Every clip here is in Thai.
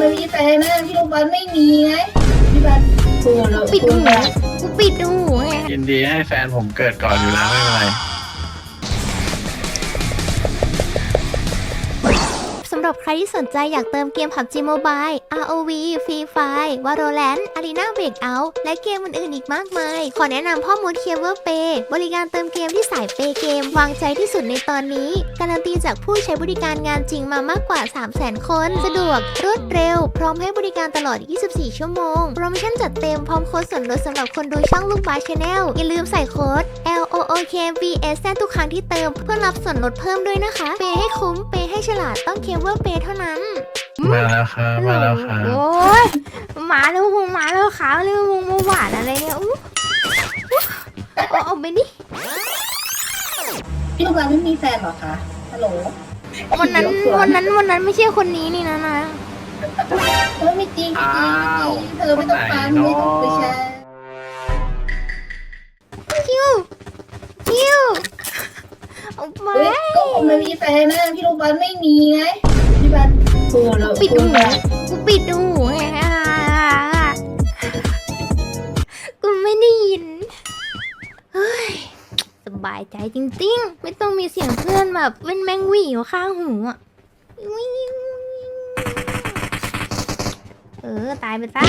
ไม่มีแฟนนะพี่ลูกบอลไม่มีไงพี่บอลโทรแล้วปิดหูกูปิดหูไงยินดีให้แฟนผมเกิดก่อนอยู่แล้วไม่เป็นไรสำหรับใครที่สนใจอยากเติมเกม PUBG Mobile ROV Free Fire Valorant Arena Breakout และเกมอื่นๆอีกมากมาย ขอแนะนำพ่อมด CleverPay บริการเติมเกมที่สายเปย์เกมวางใจที่สุดในตอนนี้ การันตีจากผู้ใช้บริการงานจริงมามากกว่า 300,000 คน สะดวกรวดเร็ว พร้อมให้บริการตลอด 24 ชั่วโมง โปรโมชั่นจัดเต็มพร้อมโค้ดส่วนลดสำหรับคนดูช่องลูกบาส Channel อย่าลืมใส่โค้ด LOOKVS แทนทุกครั้งที่เติมเพื่อรับส่วนลดเพิ่มด้วยนะคะเปย์ให้คุ้มเปย์ให้ฉลาดต้อง CleverPay เท่านั้นมาแล้วครับมาแล้วครับโอ้ยหมาแล้ววงหมาแล้วขาวแล้ววงมาหวานอะไรเนี่ยอู้เอาไปดิพี่ลูกบอลไม่มีแฟนเหรอคะฮัลโหลวันนั้นไม่ใช่คนนี้นี่นะไม่จริงไม่จริงไม่จริงเธอไม่ต้องฟังไม่ต้องไปแชร์คิวเอาไปเฮ้ยก็ผมไม่มีแฟนนะพี่ลูกบอลไม่มีไงพี่บอลโทรแล้วปิดหูกูปิดหูไงกูไม่ได้ยินเฮ้ยสบายใจจริงๆไม่ต้องมีเสียงเพื่อนแบบเป็นแมงหวี่อยู่ข้างหูอ่ะตายไปซะ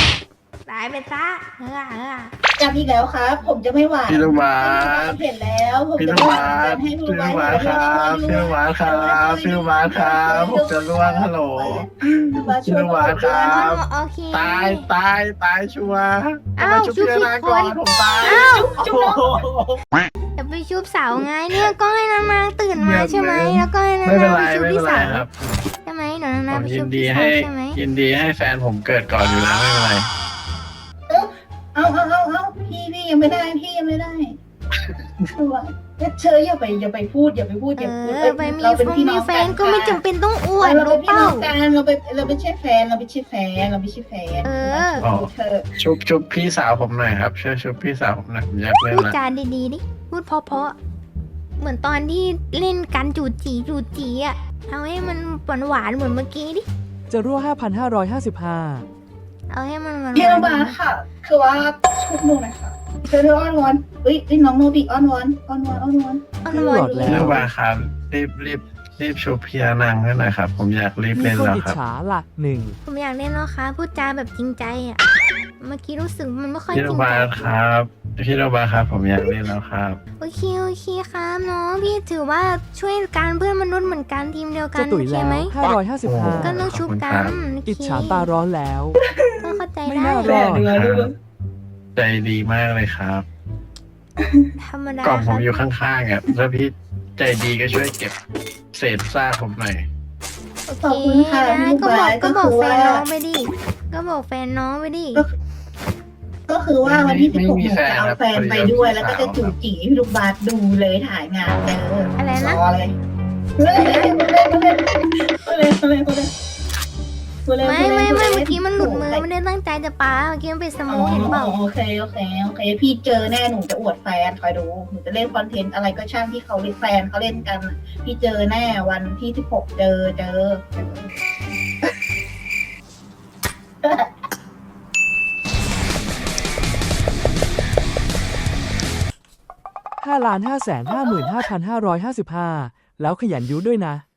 กลับอีกแล้วครับ ผมจะไม่หวานพี่ลูกบาสเห็นแล้วผมพี่จะลูกไม่หบาวานสให้พี่พี่ลูกลูบาก สบาสครับพี่ลูกบาสครับพี่ลูกบาสครับผมจะล่วงฮัลโหลพี่ลูกบาสครับโอเคตายชัวร์อ้าวมาชุบชุบพี่ผิดนาคก่อนนผมตายอ้าวโอ้โหจะไปชุบสาวไงเนี่ยก็ให้นางตื่นมาใช่ไหมแล้วก็ให้นางไม่เป็นไรไปชุบไม่พี่เป็นไรสาวครับใช่ไหมหนูนางผมไปยิชุนบดีพี่สาให้วใช่ไหมยินดีให้แฟนผมเกิดก่อนอยู่แล้วไม่เป็นไรเอาพี่ยังไม่ได้พี่ยังไม่ได้คือว่าเชยอย่าไปพูดอย่าไปพูดไปมีเราเป็นฟงพี่มีน้องแฟกันก็ไม่จำเป็นต้องอวดเรารู้เป็นพี่เปล่าน้องกันเราเป็นใช่แฟนเราไม่ใช่แฟนเธอชุบพี่สาวผมหน่อยครับช่วยชุบพี่สาวผมหน่อยผมอยากเล่นพูดละจาดีๆดิพูดเพราะๆเหมือนตอนที่เล่นกันจูจีอ่ะเอาให้มันหวานเหมือนเมื่อกี้ดิจะรั่ว 5,555 เอาให้มันหวานพี่น้องบาค่ะ คือว่าชุบหนูนะคะเธออ้อนวอนเฮ้ยน้องโนบิอ้อนวอนอ่อนขึ้นวหนลอดดีแล้พี่วลูกบาสครับรีบชุบพี่นางให้หน่อยครับผมอยากรีบมีเล่นคนแล้วอิจครับฉาล่ะหนึ่งผมอยากเล่นแล้วค่ะพูดจาแบบจริงใจอ่ะเมื่อกี้รู้สึกมันไม่ค่อยจพี่ริลูงกบาใจสครับพี่ลูกบาสครับผมอยากเล่นแล้วครับโอเคครับน้องพี่ถือว่าช่วยการเพื่อนมนุษย์เหมือนกันทีมเดียวกัจะนตุ๋โอย เคแล้วไหมก็ 555 ต้องชุบกันโอเคอิจฉาตาร้อนแล้วก็เข้าใจไม่ได้น่ารอดใจดีมากเลยครับธรรมดากล่องคผรับมอยู่ข้างๆอ่ะถ้าพี่ใจดีก็ช่วยเก็บเศษซากผมหน่อยโอเคขอบคุณค่ะนะพี่ก็บาสก็บอกก็คือแฟนว่าน้องไปดิก็บอกแฟนน้องไปดิก็คือว่าวันที่ไม่ 16 มีหนูจะเอาแฟแฟนนครับไปด้วยพอดีแล้วก็จะจูจีให้พี่ลูกบาสดูเลยถ่ายงานเจออะไรนะรอเลยไม่เมื่อกี้มันหลุดมือไม่ได้ตั้งใจจะปาเมื่อกี้มันเป็นสโมกเห็นเปล่าโอเคพี่เจอแน่หนูจะอวดแฟนคอยดูหนูจะเล่นคอนเทนต์อะไรก็ช่างที่เขาเล่นแฟนเขาเล่นกันพี่เจอแน่วันที่16เจอ 5,555,555 แล้วขยันยุด้วยนะ